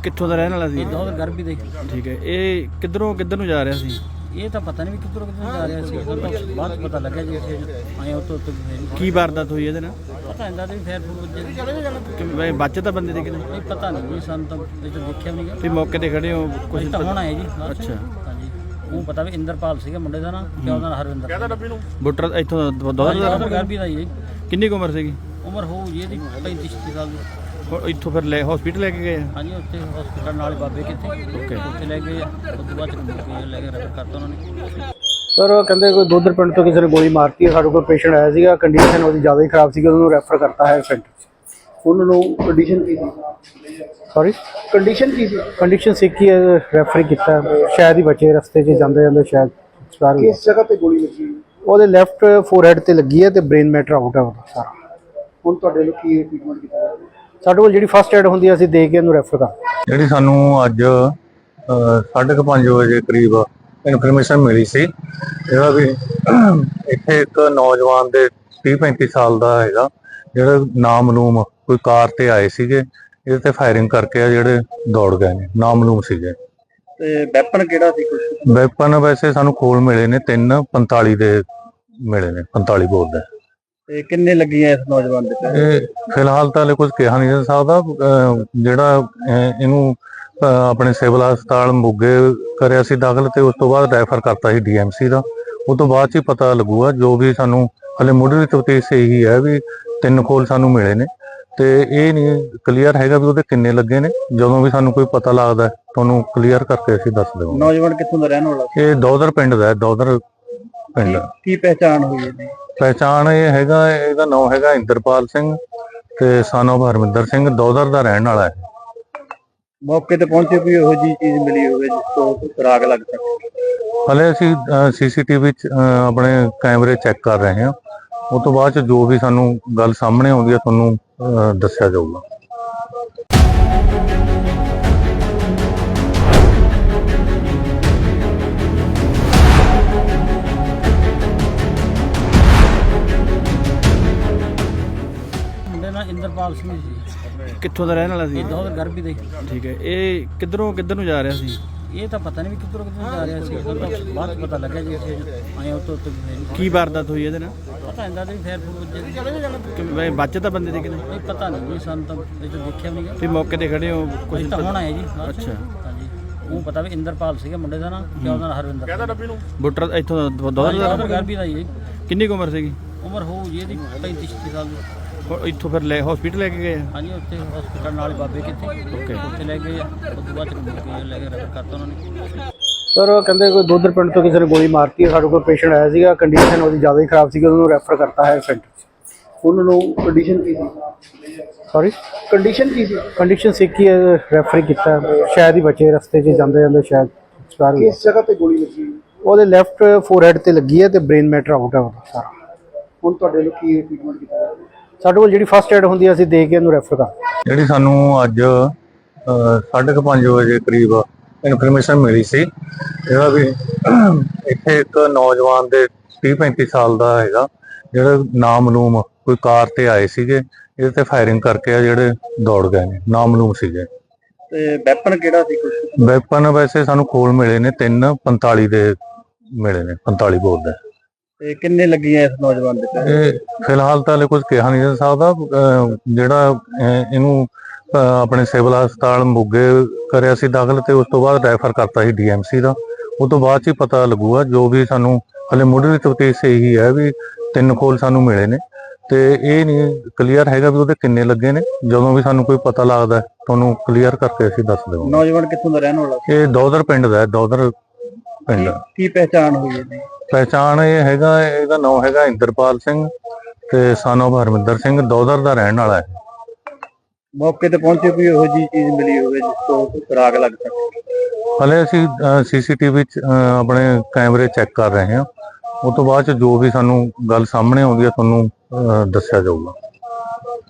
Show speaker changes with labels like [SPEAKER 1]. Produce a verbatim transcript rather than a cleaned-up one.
[SPEAKER 1] ਕਿੱਥੋਂ ਦਾ ਰਹਿਣ ਵਾਲਾ ਸੀ?
[SPEAKER 2] ਇਹ ਉਧਰ ਗਰਭੀ ਦੇ।
[SPEAKER 1] ਠੀਕ ਹੈ। ਇਹ ਕਿੱਧਰੋਂ ਕਿੱਧਰ ਨੂੰ ਜਾ ਰਿਹਾ ਸੀ?
[SPEAKER 2] ਇਹ ਤਾਂ ਪਤਾ ਨਹੀਂ ਵੀ ਕਿੱਧਰੋਂ ਕਿੱਧਰ ਜਾ ਰਿਹਾ ਸੀ, ਉਹ ਬਾਅਦ ਪਤਾ ਲੱਗਿਆ ਜੀ ਇੱਥੇ ਆਏ ਉੱਤੋਂ ਉੱਤੋਂ
[SPEAKER 1] ਕੀ ਵਾਰਦਾਤ ਹੋਈ ਇਹਦੇ ਨਾਲ?
[SPEAKER 2] ਪਤਾ ਹੁੰਦਾ ਤੇ ਫੇਰ ਫੂਰ
[SPEAKER 1] ਕਿ ਬਚੇ ਤਾਂ ਬੰਦੇ ਦੇ ਕਿਤੇ
[SPEAKER 2] ਨਹੀਂ ਪਤਾ ਨਹੀਂ ਜੀ, ਸਾਨੂੰ ਤਾਂ ਇਹ ਤਾਂ ਦੇਖਿਆ ਵੀ ਨਹੀਂ
[SPEAKER 1] ਤੁਸੀਂ ਮੌਕੇ ਤੇ ਖੜੇ ਹੋ?
[SPEAKER 2] ਕੁਝ ਤਾਂ ਹੋਣਾ ਹੈ ਜੀ।
[SPEAKER 1] ਅੱਛਾ।
[SPEAKER 2] ਹਾਂਜੀ ਉਹ ਪਤਾ ਵੀ ਇੰਦਰਪਾਲ ਸੀਗਾ ਮੁੰਡੇ ਦਾ ਨਾਂ, ਤੇ ਉਹਦਾ ਨਾਂ ਹਰਵਿੰਦਰ। ਕਹਿੰਦਾ ਡੱਬੀ ਨੂੰ
[SPEAKER 1] ਬੁੱਟਰ ਇੱਥੋਂ ਦੌਰ
[SPEAKER 2] ਉਧਰ ਗਰਭੀ ਦਾ ਜੀ।
[SPEAKER 1] ਕਿੰਨੀ ਕੁ ਉਮਰ ਸੀਗੀ?
[SPEAKER 2] ਉਮਰ ਹੋਊ ਜੀ ਇਹਦੀ ਪੈਂਤੀ ਛੱਤੀ ਸਾਲ ਦੀ।
[SPEAKER 1] ਹੁਣ ਇੱਥੋਂ ਫਿਰ ਲੈ ਹਸਪੀਟਲ ਲੈ ਕੇ ਗਏ?
[SPEAKER 2] ਹਾਂਜੀ ਉੱਥੇ ਹਸਪੀਟਲ ਨਾਲ ਬਾਬੇ ਕਿੱਥੇ ਓਕੇ ਉੱਥੇ ਲੈ ਗਏ, ਉਸ ਤੋਂ ਬਾਅਦ ਚ ਲੈ ਕੇ ਰੈਫਰ ਕਰਤਾ ਉਹਨਾਂ ਨੇ।
[SPEAKER 3] ਸਰ ਕਹਿੰਦੇ ਕੋਈ ਦੋਦਰ ਪਿੰਡ ਤੋਂ ਕਿਸੇ ਨੇ ਗੋਲੀ ਮਾਰਤੀ ਹੈ। ਸਾਡੇ ਕੋਲ ਪੇਸ਼ੈਂਟ ਆਇਆ ਸੀਗਾ, ਕੰਡੀਸ਼ਨ ਉਹਦੀ ਜ਼ਿਆਦਾ ਹੀ ਖਰਾਬ ਸੀਗੀ, ਉਹਨੂੰ ਰੈਫਰ ਕਰਤਾ ਹੈ ਸੈਂਟਰ 'ਚ। ਉਹਨਾਂ ਨੂੰ ਕੰਡੀਸ਼ਨ ਕੀ ਸੀ? ਸੌਰੀ ਕੰਡੀਸ਼ਨ ਕੀ ਸੀ? ਕੰਡੀਸ਼ਨ ਸੀ ਕਿ ਰੈਫਰ ਕੀਤਾ, ਸ਼ਾਇਦ ਹੀ ਬਚੇ, ਰਸਤੇ 'ਚ ਜਾਂਦੇ ਜਾਂਦੇ ਸ਼ਾਇਦ ਐਕਸਪਾਇਰ ਹੋ ਗਏ।
[SPEAKER 4] ਕਿਸ ਜਗ੍ਹਾ ਤੇ ਗੋਲੀ ਲੱਗੀ?
[SPEAKER 3] ਉਹਦੇ ਲੈਫਟ ਫੋਰਹੈਡ ਤੇ ਲੱਗੀ ਹੈ ਤੇ ਬ੍ਰੇਨ ਮੈਟਰ ਆਊਟ ਹੈ ਉਹਦਾ ਸਾਰਾ।
[SPEAKER 4] ਹੁਣ ਤੁਹਾਡੇ ਲੋਕ ਕੀ ਟ੍ਰੀਟਮੈਂਟ ਕੀਤਾ?
[SPEAKER 3] ਸਾਡੇ ਕੋਲ ਜਿਹੜੀ ਫਸਟ ਏਡ ਹੁੰਦੀ ਹੈ ਅਸੀਂ ਦੇ ਕੇ ਇਹਨੂੰ ਰੈਫਰ ਕਰ।
[SPEAKER 5] ਜਿਹੜੀ ਸਾਨੂੰ ਅੱਜ ਸਾਢੇ ਕੁ ਪੰਜ ਵਜੇ ਕਰੀਬ ਇਨਫੋਰਮੇਸ਼ਨ ਮਿਲੀ ਸੀ ਜਿਹੜਾ ਵੀ ਇੱਥੇ ਇੱਕ ਨੌਜਵਾਨ ਦੇ ਤੀਹ ਪੈਂਤੀ ਸਾਲ ਦਾ ਹੈਗਾ, ਜਿਹੜਾ ਨਾਮਲੂਮ ਕੋਈ ਕਾਰ ਤੇ ਆਏ ਸੀਗੇ, ਇਹਦੇ ਤੇ ਫਾਇਰਿੰਗ ਕਰਕੇ ਆ ਜਿਹੜੇ ਦੌੜ ਗਏ ਨੇ, ਨਾਮਲੂਮ ਸੀਗੇ।
[SPEAKER 4] ਤੇ ਵੈਪਨ ਕਿਹੜਾ ਸੀ? ਕੁਝ
[SPEAKER 5] ਵੈਪਨ ਵੈਸੇ ਸਾਨੂੰ ਖੋਲ ਮਿਲੇ ਨੇ, ਤਿੰਨ ਪੰਤਾਲੀ ਦੇ ਮਿਲੇ ਨੇ, ਪੰਤਾਲੀ ਬੋਲ ਦੇ।
[SPEAKER 4] ਤੇ ਕਿੰਨੇ ਲੱਗੀਆਂ ਇਸ ਨੌਜਵਾਨ ਦੇ?
[SPEAKER 5] ਇਹ ਫਿਲਹਾਲ ਤਾਂ ਹਲੇ ਕੁਝ ਕਿਹਾ ਨਹੀਂ ਜਾ ਸਕਦਾ। ਅਹ ਜਿਹੜਾ ਅਹ ਇਹਨੂੰ ਅਹ ਆਪਣੇ ਸਿਵਲ ਹਸਪਤਾਲ ਮੋਗੇ ਕਰਿਆ ਸੀ ਦਾਖਲ, ਤੇ ਉਸ ਤੋਂ ਬਾਅਦ ਰੈਫਰ ਕਰਤਾ ਸੀ ਡੀਐਮਸੀ ਦਾ। ਉਹ ਤੋਂ ਬਾਅਦ ਚ ਹੀ ਪਤਾ ਲੱਗੂਗਾ, ਜੋ ਵੀ ਸਾਨੂੰ ਹਲੇ ਮੁੱਢਲੀ ਤਫਤੀਸ਼ ਇਹੀ ਹੈ ਵੀ ਤਿੰਨ ਖੋਲ ਸਾਨੂੰ ਮਿਲੇ ਨੇ, ਤੇ ਇਹ ਨਹੀਂ ਕਲੀਅਰ ਹੈਗਾ ਵੀ ਉਹਦੇ ਕਿੰਨੇ ਲੱਗੇ ਨੇ। ਜਦੋਂ ਵੀ ਸਾਨੂੰ ਕੋਈ ਪਤਾ ਲੱਗਦਾ ਤੁਹਾਨੂੰ ਕਲੀਅਰ ਕਰਕੇ ਅਸੀਂ ਦੱਸ ਦੇਵਾਂਗੇ।
[SPEAKER 4] ਨੌਜਵਾਨ ਕਿੱਥੋਂ ਦਾ ਰਹਿਣ ਵਾਲਾ?
[SPEAKER 5] ਇਹ ਦੌਦਰ ਪਿੰਡ ਦਾ ਹੈ, ਦੌਦਰ ਪਿੰਡ।
[SPEAKER 4] ਕੀ ਪਹਿਚਾਣ ਹੋਈ ਇਹਦੀ?
[SPEAKER 5] ਪਹਿਚਾਣ ਇਹ ਹੈਗਾ, ਇਹਦਾ ਨਾਮ ਹੈਗਾ ਇੰਦਰਪਾਲ ਸਿੰਘ ਤੇ son of ਹਰਮਿੰਦਰ ਸਿੰਘ, ਦੌਦਰ ਦਾ ਰਹਿਣ ਵਾਲਾ ਹੈ।
[SPEAKER 4] ਮੌਕੇ ਤੇ ਪਹੁੰਚੇ ਵੀ ਇਹੋ ਜਿਹੀ ਚੀਜ਼ ਮਿਲੀ ਹੋਵੇ ਜਿਸ ਤੋਂ ਸੁਰਾਗ ਲੱਗ ਸਕੇ?
[SPEAKER 5] ਹਲੇ ਅਸੀਂ ਸੀਸੀਟੀਵੀ ਚ ਆਪਣੇ ਕੈਮਰੇ ਚੈੱਕ ਕਰ ਰਹੇ ਹਾਂ, ਉਸ ਤੋਂ ਬਾਅਦ ਚ ਜੋ ਵੀ ਸਾਨੂੰ ਗੱਲ ਸਾਹਮਣੇ ਆਉਂਦੀ ਹੈ ਤੁਹਾਨੂੰ ਦੱਸਿਆ ਜਾਊਗਾ।
[SPEAKER 2] ਮੁੰਡੇ ਨਾਲ ਇੰਦਰਪਾਲ ਸਿੰਘ ਜੀ।
[SPEAKER 1] ਕਿੱਥੋਂ ਦਾ ਰਹਿਣ ਵਾਲਾ ਸੀ?
[SPEAKER 2] ਇਹ ਉਧਰ ਗਰਭੀ ਦੇ।
[SPEAKER 1] ਠੀਕ ਹੈ। ਇਹ ਕਿੱਧਰੋਂ ਕਿੱਧਰ ਨੂੰ ਜਾ ਰਿਹਾ ਸੀ?
[SPEAKER 2] ਇਹ ਤਾਂ ਪਤਾ ਨਹੀਂ ਵੀ ਕਿੱਧਰੋਂ ਕਿੱਧਰ ਜਾ ਰਿਹਾ ਸੀ, ਉਹ ਤਾਂ ਬਾਅਦ ਪਤਾ ਲੱਗਿਆ ਜੀ ਇੱਥੇ ਆਏ ਉੱਤੋਂ ਉੱਤੋਂ
[SPEAKER 1] ਕੀ ਵਾਰਦਾਤ ਹੋਈ ਇਹਦੇ ਨਾਲ?
[SPEAKER 2] ਪਤਾ ਹੁੰਦਾ ਤੇ ਫੇਰ ਫੂਰ
[SPEAKER 1] ਕਿ ਬਚੇ ਤਾਂ ਬੰਦੇ ਦੇ ਕਿਤੇ
[SPEAKER 2] ਨਹੀਂ ਪਤਾ ਨਹੀਂ ਜੀ, ਸਾਨੂੰ ਤਾਂ ਇਹ ਤਾਂ ਦੇਖਿਆ ਵੀ ਨਹੀਂ।
[SPEAKER 1] ਤੁਸੀਂ ਮੌਕੇ ਤੇ ਖੜੇ ਹੋ?
[SPEAKER 2] ਕੁਝ ਤਾਂ ਹੋਣਾ ਹੈ ਜੀ।
[SPEAKER 1] ਅੱਛਾ।
[SPEAKER 2] ਹਾਂਜੀ ਉਹ ਪਤਾ ਵੀ ਇੰਦਰਪਾਲ ਸੀਗਾ ਮੁੰਡੇ ਦਾ ਨਾਂ, ਤੇ ਉਹਦਾ ਨਾਂ ਹਰਵਿੰਦਰ। ਕਹਿੰਦਾ ਡੱਬੀ ਨੂੰ
[SPEAKER 1] ਬੁੱਟਰ ਇੱਥੋਂ ਦੌਰ
[SPEAKER 2] ਉਧਰ ਗਰਭੀ ਦਾ ਜੀ।
[SPEAKER 1] ਕਿੰਨੀ ਕੁ ਉਮਰ ਸੀਗੀ?
[SPEAKER 2] ਉਮਰ ਹੋਊ ਜੀ ਇਹਦੀ ਪੈਂਤੀ ਛੱਤੀ ਸਾਲ ਦੀ।
[SPEAKER 1] ਹੁਣ ਇੱਥੋਂ ਫਿਰ ਲੈ ਹਸਪੀਟਲ ਲੈ ਕੇ ਗਏ?
[SPEAKER 2] ਹਾਂਜੀ ਉੱਥੇ ਹਸਪੀਟਲ ਨਾਲ ਬਾਬੇ ਕਿੱਥੇ ਓਕੇ ਉੱਥੇ ਲੈ ਗਏ, ਉਸ ਤੋਂ ਬਾਅਦ ਚ ਲੈ ਕੇ ਰੈਫਰ ਕਰਤਾ ਉਹਨਾਂ ਨੇ।
[SPEAKER 3] ਸਰ ਕਹਿੰਦੇ ਕੋਈ ਦੋਦਰ ਪਿੰਡ ਤੋਂ ਕਿਸੇ ਨੇ ਗੋਲੀ ਮਾਰਤੀ ਹੈ। ਸਾਡੇ ਕੋਲ ਪੇਸ਼ੈਂਟ ਆਇਆ ਸੀਗਾ, ਕੰਡੀਸ਼ਨ ਉਹਦੀ ਜ਼ਿਆਦਾ ਹੀ ਖਰਾਬ ਸੀਗੀ, ਉਹਨੂੰ ਰੈਫਰ ਕਰਤਾ ਹੈ ਸੈਂਟਰ 'ਚ।
[SPEAKER 4] ਉਹਨਾਂ ਨੂੰ ਕੰਡੀਸ਼ਨ ਕੀ ਸੀ?
[SPEAKER 3] ਸੌਰੀ
[SPEAKER 4] ਕੰਡੀਸ਼ਨ ਕੀ ਸੀ?
[SPEAKER 3] ਕੰਡੀਸ਼ਨ ਸੀ ਕਿ ਰੈਫਰ ਕੀਤਾ, ਸ਼ਾਇਦ ਹੀ ਬਚੇ, ਰਸਤੇ 'ਚ ਜਾਂਦੇ ਜਾਂਦੇ ਸ਼ਾਇਦ ਐਕਸਪਾਇਰ ਹੋ ਗਏ।
[SPEAKER 4] ਕਿਸ ਜਗ੍ਹਾ ਤੇ ਗੋਲੀ ਲੱਗੀ?
[SPEAKER 3] ਉਹਦੇ ਲੈਫਟ ਫੋਰਹੈਡ ਤੇ ਲੱਗੀ ਹੈ ਤੇ ਬ੍ਰੇਨ ਮੈਟਰ ਆਊਟ ਹੈ ਉਹਦਾ ਸਾਰਾ।
[SPEAKER 4] ਹੁਣ ਤੁਹਾਡੇ ਲੋਕ ਕੀ ਟ੍ਰੀਟਮੈਂਟ ਕੀਤਾ?
[SPEAKER 3] ਸਾਡੇ ਕੋਲ ਜਿਹੜੀ ਫਸਟ ਏਡ ਹੁੰਦੀ ਹੈ ਅਸੀਂ ਦੇ ਕੇ ਇਹਨੂੰ ਰੈਫਰ ਕਰ।
[SPEAKER 5] ਜਿਹੜੀ ਸਾਨੂੰ ਅੱਜ ਸਾਢੇ ਕੁ ਪੰਜ ਵਜੇ ਕਰੀਬ ਇਨਫੋਰਮੇਸ਼ਨ ਮਿਲੀ ਸੀ ਜਿਹੜਾ ਵੀ ਇੱਥੇ ਇੱਕ ਨੌਜਵਾਨ ਦੇ ਤੀਹ ਪੈਂਤੀ ਸਾਲ ਦਾ ਹੈਗਾ, ਜਿਹੜਾ ਨਾਮਲੂਮ ਕੋਈ ਕਾਰ ਤੇ ਆਏ ਸੀਗੇ, ਇਹਦੇ ਤੇ ਫਾਇਰਿੰਗ ਕਰਕੇ ਆ ਜਿਹੜੇ ਦੌੜ ਗਏ ਨੇ, ਨਾਮਲੂਮ ਸੀਗੇ।
[SPEAKER 4] ਤੇ ਵੈਪਨ ਕਿਹੜਾ ਸੀ? ਕੁਝ
[SPEAKER 5] ਵੈਪਨ ਵੈਸੇ ਸਾਨੂੰ ਖੋਲ ਮਿਲੇ ਨੇ, ਤਿੰਨ ਪੰਤਾਲੀ ਦੇ ਮਿਲੇ ਨੇ, ਪੰਤਾਲੀ ਬੋਲ ਦੇ।
[SPEAKER 4] ਤੇ ਕਿੰਨੇ ਲੱਗੀਆਂ ਇਸ ਨੌਜਵਾਨ ਦੇ?
[SPEAKER 5] ਇਹ ਫਿਲਹਾਲ ਤਾਂ ਹਲੇ ਕੁਝ ਕਿਹਾ ਨਹੀਂ ਜਾ ਸਕਦਾ। ਅਹ ਜਿਹੜਾ ਅਹ ਇਹਨੂੰ ਅਹ ਆਪਣੇ ਸਿਵਲ ਹਸਪਤਾਲ ਮੋਗੇ ਕਰਿਆ ਸੀ ਦਾਖਲ, ਤੇ ਉਸ ਤੋਂ ਬਾਅਦ ਰੈਫਰ ਕਰਤਾ ਸੀ ਡੀਐਮਸੀ ਦਾ। ਉਹ ਤੋਂ ਬਾਅਦ ਚ ਹੀ ਪਤਾ ਲੱਗੂਗਾ, ਜੋ ਵੀ ਸਾਨੂੰ ਹਲੇ ਮੁੱਢਲੀ ਤਫਤੀਸ਼ ਇਹੀ ਹੈ ਵੀ ਤਿੰਨ ਖੋਲ ਸਾਨੂੰ ਮਿਲੇ ਨੇ, ਤੇ ਇਹ ਨਹੀਂ ਕਲੀਅਰ ਹੈਗਾ ਵੀ ਉਹਦੇ ਕਿੰਨੇ ਲੱਗੇ ਨੇ। ਜਦੋਂ ਵੀ ਸਾਨੂੰ ਕੋਈ ਪਤਾ ਲੱਗਦਾ ਤੁਹਾਨੂੰ ਕਲੀਅਰ ਕਰਕੇ ਅਸੀਂ ਦੱਸ ਦੇਵਾਂਗੇ।
[SPEAKER 4] ਨੌਜਵਾਨ ਕਿੱਥੋਂ ਦਾ ਰਹਿਣ ਵਾਲਾ?
[SPEAKER 5] ਇਹ ਦੌਦਰ ਪਿੰਡ ਦਾ ਹੈ, ਦੌਦਰ ਪਿੰਡ।
[SPEAKER 4] ਕੀ ਪਹਿਚਾਣ ਹੋਈ ਇਹਦੀ?
[SPEAKER 5] ਪਹਿਚਾਣ ਇਹ ਹੈਗਾ, ਇਹਦਾ ਨਾਮ ਹੈਗਾ ਇੰਦਰਪਾਲ ਸਿੰਘ ਤੇ son of ਹਰਮਿੰਦਰ ਸਿੰਘ, ਦੌਦਰ ਦਾ ਰਹਿਣ ਵਾਲਾ ਹੈ।
[SPEAKER 4] ਮੌਕੇ ਤੇ ਪਹੁੰਚੇ ਵੀ ਇਹੋ ਜਿਹੀ ਚੀਜ਼ ਮਿਲੀ ਹੋਵੇ ਜਿਸ ਤੋਂ ਸੁਰਾਗ ਲੱਗ ਸਕੇ?
[SPEAKER 5] ਹਲੇ ਅਸੀਂ ਸੀਸੀਟੀਵੀ ਚ ਆਪਣੇ ਕੈਮਰੇ ਚੈੱਕ ਕਰ ਰਹੇ ਹਾਂ, ਉਸ ਤੋਂ ਬਾਅਦ ਚ ਜੋ ਵੀ ਸਾਨੂੰ ਗੱਲ ਸਾਹਮਣੇ ਆਉਂਦੀ ਹੈ ਤੁਹਾਨੂੰ ਦੱਸਿਆ ਜਾਊਗਾ।